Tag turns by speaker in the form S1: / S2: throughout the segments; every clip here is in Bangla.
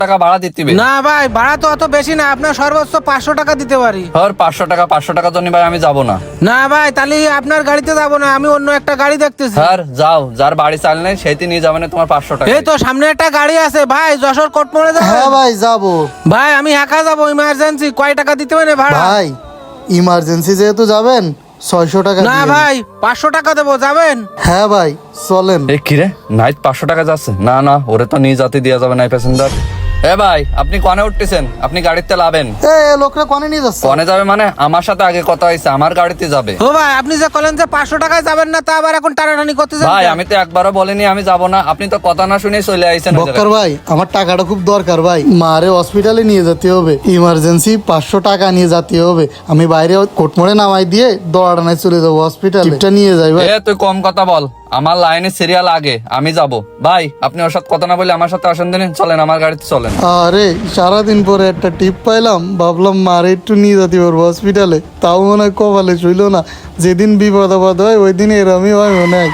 S1: টাকা ভাড়া দিতে হবে।
S2: না ভাই, ভাড়া তো অত বেশি না, আপনার সর্বোচ্চ 500 টাকা দিতে পারি।
S1: আর 500 টাকা জন্য ভাই আমি যাব না।
S2: না ভাই, তাহলে আপনার গাড়িতে যাব না, আমি অন্য একটা গাড়ি দেখতেছি।
S1: স্যার যাও, যার বাড়ি চাল নেই সেইটি নিয়ে যাবেন তোমার 500 টাকা।
S2: এই তো সামনে একটা গাড়ি আছে ভাই, যশোর কোটমোড়ে যাবে।
S3: হ্যাঁ ভাই যাবো।
S2: ভাই আমি একা যাবো, ইমার্জেন্সি, কয় টাকা দিতে পারে ভাড়া?
S3: ভাই ইমার্জেন্সি যেহেতু যাবেন 600 টাকা
S2: না
S3: দিয়েন।
S2: ভাই, 500 টাকা দেবো, যাবেন?
S3: হ্যাঁ ভাই চলেন।
S1: এ কি রে, নাইট 500 টাকা যাচ্ছে? না না, ওরে তো নিয়ে যাতে দেওয়া যাবে না প্যাসেঞ্জার। এ ভাই, আপনি কনে উঠতেছেন? আপনি গাড়িতে লাবেন।
S3: এ লোকরা কনে নিয়ে যাচ্ছে?
S1: কনে যাবে মানে? আমার সাথে আগে কথা হয়েছে, আমার গাড়িতে যাবে।
S2: ও ভাই, আপনি যে বলেন যে 500 টাকায় যাবেন না, তা আবার এখন টানাটানি করতেছেন
S1: ভাই
S2: কেন?
S1: আমি তো একবারও বলিনি আমি যাব না, আপনি তো কথা না শুনে চলে আইছেন।
S3: বক্কর ভাই আমার টাকাটা খুব দরকার ভাই, মারে হসপিটালে নিয়ে যেতে হবে, ইমার্জেন্সি 500 টাকা নিয়ে যেতে হবে। আমি বাইরে কোটমোড়ে নামাই দিয়ে দৌড়ানায় চলে যাবো হসপিটালে, টিপটা নিয়ে যাই ভাই।
S1: এ তুই কম কথা বল, আমার লাইনে সিরিয়াল আগে, আমি যাব। ভাই আপনি ওর সাথে কথা না বলে আমার সাথে আসেন দিন, চলেন আমার গাড়িতে চলেন।
S3: আরে সারাদিন পরে একটা টিপ পাইলাম, ভাবলাম মারে একটু নিয়ে যেতে পারবো হসপিটালে, তাও মনে হয় কপালে ছিল না। যেদিন বিপদ আপদ হয় ওই দিন এরমই হয় মনে হয়।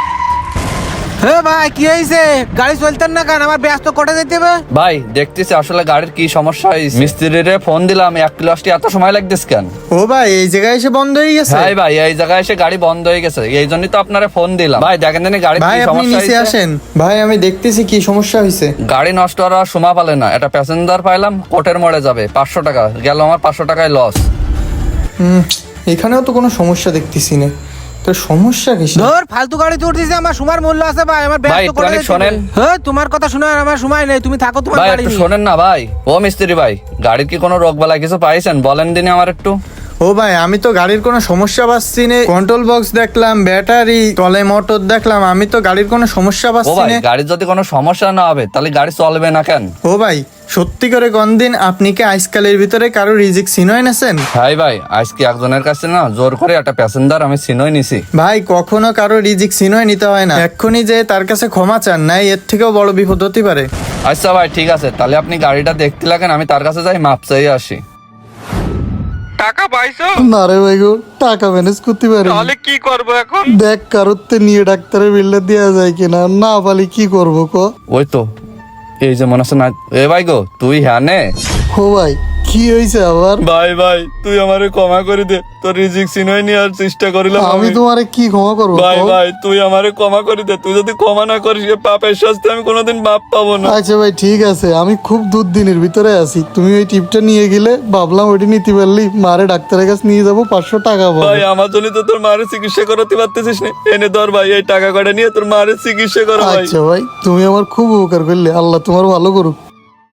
S2: হে ভাই, কি হয়েছে? গাড়ি চলতেন না কেন? আমার ব্যস্ত কোটে যেতে হবে।
S1: ভাই দেখতেছি আসলে গাড়ির কি সমস্যা হয়েছে, মিস্ত্রিরে ফোন দিলাম, 1 কিলো আসতে এত সময় লাগতেছে কেন?
S4: ও ভাই এই জায়গায় এসে বন্ধ হয়ে গেছে।
S1: ভাই ভাই এই জায়গায় এসে গাড়ি বন্ধ হয়ে গেছে, এই জন্যই তো আপনারা ফোন দিলাম। ভাই দেখেন জানি গাড়ির
S4: ভাই
S1: কি
S4: আপনি
S1: সমস্যা
S4: নিচে
S1: হয়েছে।
S4: আসেন, ভাই আমি দেখতেছি কি সমস্যা হয়েছে।
S1: গাড়ি নষ্ট হওয়ার সময় পালে না, একটা প্যাসেঞ্জার পাইলাম, কোটের মোড়ে যাবে, 500 টাকা গেল, আমার 500 টাকায় লস।
S4: এখানেও তো কোনো সমস্যা দেখতেছি না, তো সমস্যা কি?
S2: ধর ফালতু গাড়িতে উঠতেছে, আমার সময় মূল্য আছে ভাই, আমার
S1: ভাই,
S2: ব্যস্ত
S1: একটু
S2: কোটে
S1: অনেক
S2: যেতে
S1: শোনেন।
S2: হবে। হ্যাঁ, তোমার কথা শোনার আমার সময় নেই, তুমি থাকো তোমার
S1: ভাই
S2: গাড়ি
S1: একটু
S2: নিয়ে।
S1: শোনেন না ভাই। ও মিস্ত্রি ভাই, গাড়ির কি কোনো রোগ বালাই কিছু পাইছেন? বলেন দিনে আমার একটু।
S4: ও ভাই আমি তো গাড়ির কোনো সমস্যা পাচ্ছি না, কন্ট্রোল বক্স দেখলাম, ব্যাটারি, তলে মোটর দেখলাম, আমি তো গাড়ির কোনো সমস্যা
S1: ও
S4: পাচ্ছি
S1: ভাই
S4: না।
S1: গাড়ির যদি কোনো সমস্যা না হবে তাহলে গাড়ি চলবে না কেন?
S4: ও ভাই সত্যি করে গন্দিন, আপনি কি আজকালের ভিতরে কারো রিজিক সিনয় নেছেন?
S1: ভাই ভাই আজকে একজনের কাছে না জোর করে একটা প্যাসেঞ্জার আমি চিনই নিছি।
S4: ভাই কখনো কারো রিজিক সিনয় নিতে হয় না, এক্ষুনি যে তার কাছে ক্ষমা চান, নাই এর থেকেও বড় বিপদ হতে পারে।
S1: আচ্ছা ভাই ঠিক আছে, তাহলে আপনি গাড়িটা দেখতে লাগেন, আমি তার কাছে যাই, মাপ চাই আসি।
S2: টাকা পাইছো?
S3: না রে ভাই গো, টাকা ম্যানেজ করতে পারি।
S2: তাহলে কি করবো এখন?
S3: দেখ কারোতে নিয়ে ডাক্তারের বিলটা দেওয়া যায় কিনা, না পালি কি করবো ক?
S1: ওই তো এই যে মনে হচ্ছে না। এ ভাই গো তুই হ্যাঁ নে।
S3: ও ভাই কি হয়েছে আবার?
S1: ভাই ভাই তুই আমারে ক্ষমা করে দে, তোর রিজিক চিনই নেওয়ার চেষ্টা করিলাম
S3: আমি তোমারে কি ক্ষমা করবো
S1: ভাই
S3: কও?
S1: ভাই তুই আমারে ক্ষমা করে দে, তুই যদি ক্ষমা না করিস এ পাপের শাস্তি আমি কোনোদিন মাপ পাবো না।
S3: আচ্ছা ভাই ঠিক আছে, আমি খুব দুর্দিনের ভিতরে আছি, তুমি ওই টিপটা নিয়ে গেলে ভাবলাম ওইটি নিতে পারলি, মারে ডাক্তারের কাছে নিয়ে যাবো, 500 টাকা
S1: ভাই
S3: পাবো।
S1: আমার জন্য তো তোর মায়ের চিকিৎসা করাতে পারতেছিস না, এনে ধর ভাই এই টাকা কটা নিয়ে তোর মায়ের চিকিৎসা করো ভাই।
S3: আচ্ছা ভাই তুমি আমার খুব উপকার করলে, আল্লাহ তোমার ভালো করুক।